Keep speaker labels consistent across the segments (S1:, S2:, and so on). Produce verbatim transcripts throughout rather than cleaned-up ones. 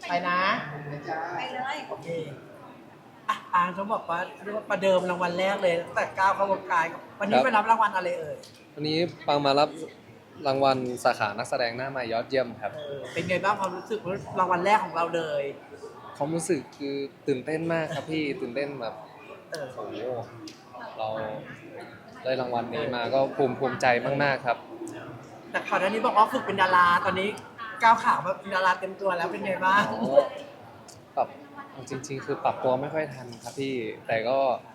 S1: ไปนะ
S2: ไปเลย
S1: โอเคอ่ะอางเขาบอกว่าเรียกว่าประเดิมรางวัลแรกเลยตั้งแต่ก้าวเข้าวงการวันนี้ไปรับรางวัลอะไรเอ่ย
S3: วันนี้ปังมารับรางวัลสาขานักแสดงหน้าใหม่ยอดเยี่ยมครับ
S1: เออเป็นไงบ้างความรู้สึกรางวัลแรกของเราเลย
S3: ความรู้สึกคือตื่นเต้นมากครับพี่ตื่นเต้นแบบ
S1: เออ
S3: โอ้โหเราได้รางวัลนี้มาก็ภูมิภูมิใจมากๆครับ
S1: แต่ก่อนหน้านี้บอกว่าฝึกเป็นดาราตอนนี้ก้าวขามาเป็นดาราเต็มตัวแล้วเป็นไงบ้าง
S3: อ๋อปรับจริงๆ คือปรับตัวไม่ค่อยทันครับพี่แต่ก็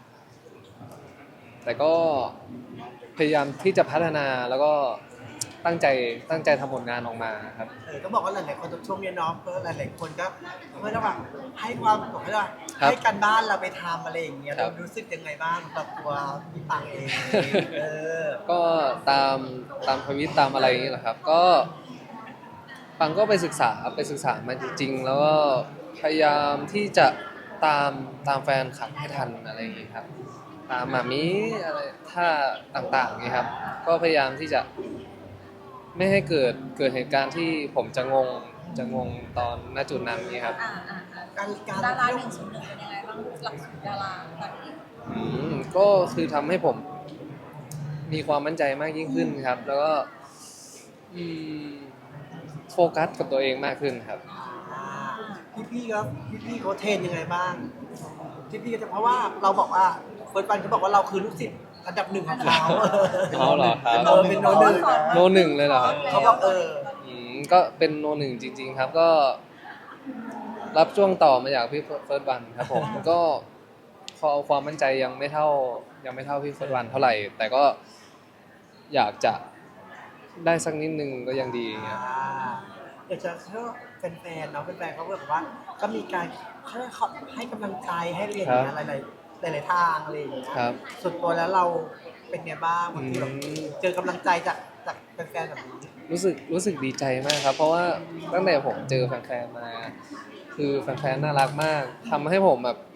S3: แต่ก็พยายามที่จะพัฒนาแล้วก็ตั้งใจตั้งใจทำผลงานออกมาครับ
S1: เออก็บอกว่าหลายๆคนช่วงนี้เนาะเพราะหลายๆคนก็เพื่อว่าให้ความบอกให้ว่าให้กันบ้านเราไปทำอะไรอย่างเงี้ยเรารู้สึกยังไงบ้างกับตัวพี่ปังเองเออ
S3: ก็ตามตามทวิตตามอะไรอย่างนี้แหละครับ ก็ปังก็ไปศึกษาไปศึกษามาจริงๆแล้วก็พยายามที่จะตามตามแฟนคลับให้ทันอะไรอย่างนี้ครับ ตามหมามีอะไรท่าต่างๆนี่ครับ ก็พยายามที่จะไม่ให้เกิดเกิดเหตุการณ์ที่ผมจะงงจะงงตอนณจุดนั้นนี่ครับ
S2: อ่าอ่าอ่า
S1: การการ
S2: ดาราหนึ่งศูนย์หนึ่งเป็นยังไงบ้างหลักสูตรดาราตอนนี้
S3: อืมก็คือทำให้ผมมีความมั่นใจมากยิ่งขึ้นครับ แล้วก็อืมโฟกัสกับตัวเองมากขึ้นครับ
S1: พี่พี่ๆครับพี่พี่ๆเขาเทรนยังไงบ้างพี่พี่ๆก็จะเพราะว่าเราบอกว่าเฟิร์สปันเขาบอกว่าเราคือลูกศิษย์อันดับหนึ่งของเขา
S3: เขาเหรอครับ
S1: เออเป็นโนหนึ่ง
S3: โนหนึ่งเลยเหรอครับ
S1: เขาบอกเออ
S3: อืมก็เป็นโนหนึ่งจริง ๆ ครับ ก็ รับช่วงต่อมาจากพี่เฟิร์สวันครับผม ก็พอความมั่นใจยังไม่เท่ายังไม่เท่าพี่เฟิร์สวันเท่าไหร่ แต่ก็อยากจะได้สักนิดนึงก็ยังดีครับ
S1: อ่าอยากจะเชื่อแฟนๆเนาะแฟนๆเขาแบบว่าก็มีการเขาเขาให้กำลังใจให้อะไรอย่างเงี้ยหลายๆหลายๆทางอะไรอย่างเงี้ย
S3: ครับ
S1: ส่วนตัวแล้วเราเป็นไงบ้างบางทีแบบ
S3: อืม
S1: เจอกำลังใจจากจากแฟนๆแบบนี้
S3: รู้สึกรู้สึกดีใจมากครับ เพราะว่าตั้งแต่ผมเจอแฟนๆมา คือแฟนๆน่ารักมากทำให้ผมแบบ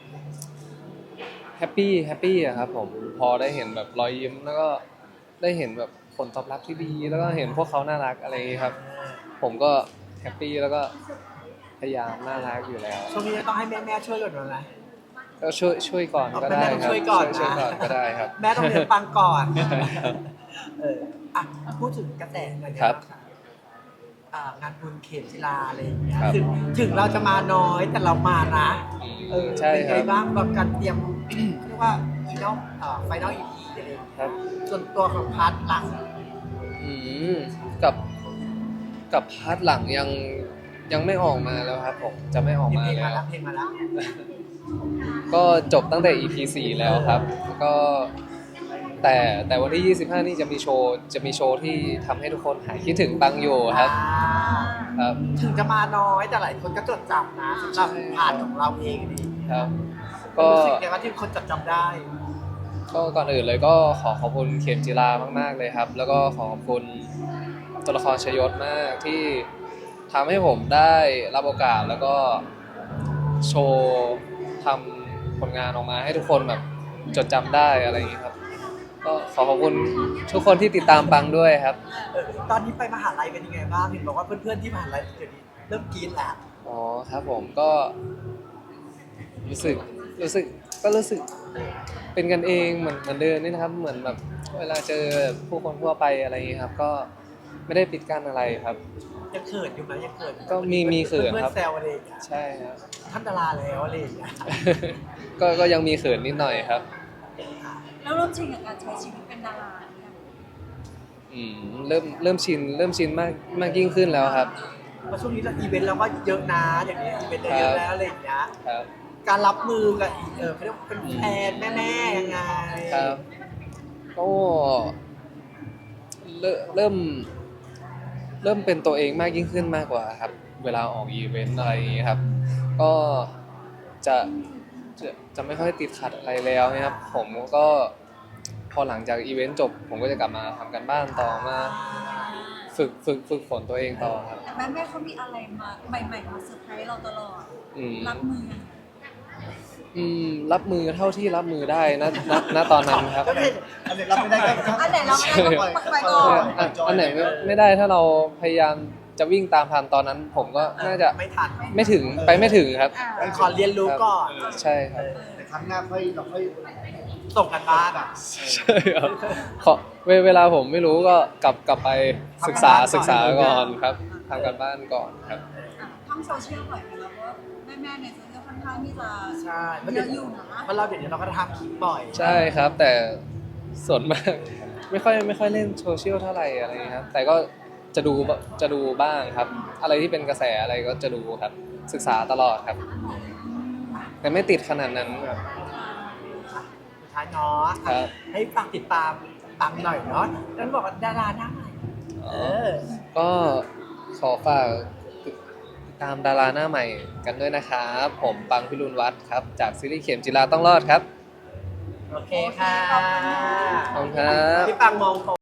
S3: แฮปปี้แฮปปี้อะครับผมพอได้เห็นแบบรอยยิ้มแล้วก็ได้เห็นแบบผลตอบรับที่ดี แล้วก็เห็นพวกเขาน่ารักอะไรอย่างนี้ครับ ผมก็แฮปปี้แล้วก็พยายามน่ารักอยู่แล้ว
S1: ช่วงนี้ต้องให้แม่ๆช่วยก่อนนะ
S3: ก็ช่วยช่วยก่อนก็ได้
S1: แม่ต้อง
S3: ครับ
S1: ช่วยก่อนนะ
S3: ช่วยก่อนก็ได้ครับ
S1: แม่ต้องเลี้ยงปังก่อน เอออ่ะพูดถึงกระแสหน่อยนะครับ อ่างานบุญเข็มจีราอะไรอย่างเงี้ย
S3: ครับ
S1: ถึงถึงเราจะมาน้อยแต่เรามานะ
S3: อืม
S1: เออ
S3: ใช่
S1: เป็น
S3: ค
S1: ไง
S3: รับ
S1: บ้างกับการเตรียม เรียกว่าอีนอลอ่าไฟนอลอีพีอะไรอย่างเงี้ย
S3: ครับ
S1: ส่วนตัวของพาร์ทหลัง
S3: อืมกับกับพาร์ทหลังยังยังไม่ออกมาแล้วครับผมจะไม่ออก
S1: มี
S3: มา
S1: เพลง
S3: แล้
S1: มาว แล้วเพลงมาแล้ว
S3: ก็จบตั้งแต่ อี พี สี่แล้วครับแล้วก็แต่แต่วันที่ ยี่สิบห้า นี่จะมีโชว์จะมีโชว์ที่ทำให้ทุกคนหายคิดถึงบังอยู่ครับ
S1: อ่า
S3: ครับ
S1: ถึงจะมาน้อยแต่หลายคนก็จดจำนะสำหรับพาร์ทของเราเองนี่
S3: ครับ ก็
S1: รู้สึกไงว่าที่คนจดจำได้
S3: ก็ก่อนอื่นเลยก็ขอขอบคุณเข็มจิรามากๆเลยครับ แล้วก็ขอขอบคุณตัวละครชยศมากที่ทำให้ผมได้รับโอกาสแล้วก็โชว์ทำผลงานออกมาให้ทุกคนแบบจดจำได้อะไรอย่างนี้ครับ ก็ขอขอบคุณทุกคนที่ติดตามปังด้วยครับ
S1: เออตอนนี้ไปมหาลัยเป็นยังไงบ้างเห็นบอกว่าเพื่อนๆที่มหาลัยเดี๋ยวนี้เริ่มกรี๊ดแล้ว
S3: อ๋อครับผมก็รู้สึกรู้สึกก็รู้สึกเป็นกันเองเหมือนเหมือนเดิมนี่นะครับ เหมือนแบบเวลาเจอผู้คนทั่วไปอะไรอย่างนี้ครับ ก็ไม่ได้ปิดกั้นอะไรครับ
S1: ยังเขินอยู่ไหมยังเขินอยู่ไห
S3: ก็มีมีเขิน
S1: เพื่อ
S3: ครับ
S1: นๆแซวอะไรอย่างเงี้ย
S3: ใช่ครับ
S1: ท่านดาราแล้วอะไรอย่างเงี้ย
S3: ก็ก็ยังมีเขินนิดหน่อยครับ
S2: แล้วเริ่มชินกับการใช้ชีวิตเป็นดาราเนี่ย
S3: อืมเริ่มเริ่มชินเริ่มชินมากมากยิ่งขึ้นแล้วครับ
S1: เพราะช่วงนี้เราอีเวนต์เราก็เยอะนะอย่างนี้อีเวนต์เราเยอะแล้วอะไรอย่างเงี้ย
S3: ครับ
S1: การรับมือกับเออเขาเรียกว่าเป็นแฟนแม่ๆยังไง
S3: ครับก็เริ่มเริ่มเริ่มเป็นตัวเองมากยิ่งขึ้นมากกว่าครับ เวลาออกอีเวนต์อะไรอย่างนี้ครับ ก็จะจะจะไม่ค่อยติดขัดอะไรแล้วนะครับ ผมก็พอหลังจากอีเวนต์จบ ผมก็จะกลับมาทำกันบ้านต่อมาฝึกฝึกฝึกฝนตัวเองต่อครับ
S2: แต่แม่แม่เขามีอะไรมาใหม่ๆมาเซอร์ไพรส์เราตลอด
S3: อืม
S2: รับมือ
S3: อืมรับมือเท่าที่รับมือได้นะณณตอนนั้นครับ
S1: ก็ไม่อันไหนรับไม่ได้ก็
S2: อันไหนเราไม่ได้ก็ปล่อยก่อน
S3: อันอันไหนไม่ไม่ได้ถ้าเราพยายามจะวิ่งตามทันตอนนั้น ผมก็น่าจะ
S1: ไม่ทัน
S3: ไม่ถึงไปไม่ถึงครับ
S2: อ่า
S1: ขอเรียนรู้ก่อน
S3: ใช่ครับ
S4: แต่ครั้งหน้าค่อยเราค่อย
S1: ส่งกันบ้านอ่ะ
S3: ใช่ครับขอเวเวลาผมไม่รู้ก็กลับกลับไปศึกษา
S1: ทำการบ้านก่อน
S3: ศึกษาก่อนครับทำกันบ้านก่อนครับ
S2: อ่ะท่องโซเชียลบ่อยไหมแล้วก็แม่ๆในโซเชียลค่อนข้างที่จะ
S1: ใช่เพราะ
S2: เย
S1: เดี๋ย
S2: อะ
S1: ว
S2: อยู่นะ
S1: เพราะเราเดี๋ยวนี้เราก็ทำคลิปบ่อย
S3: ใช่ครับ แต่ส่วนมาก ไม่ค่อยไม่ค่อยเล่นโซเชียลเท่าไหร่อะไรอย่างเงี้ยครับ แต่ก็จะดูจะดูบ้างครับ อะไรที่เป็นกระแสอะไรก็จะดูครับ ศึกษาตลอดครับ แต่ไม่ติดขนาดนั้นครับ
S1: สุดท้ายเนาะ
S3: ครับ
S1: ให้ฝากติดตามปังหน่อยเนาะแล้วบอกว่าดาราหน้าใหม่เออ
S3: ก็ขอฝากติดตามดาราหน้าใหม่กันด้วยนะครับ ผมปังพิรุณวัฒน์ครับ จากซีรีส์เข็มจีราต้องรอดครับ
S1: โอเคค่ะ
S3: ขอบคุณครับ
S1: พี่ปังมอง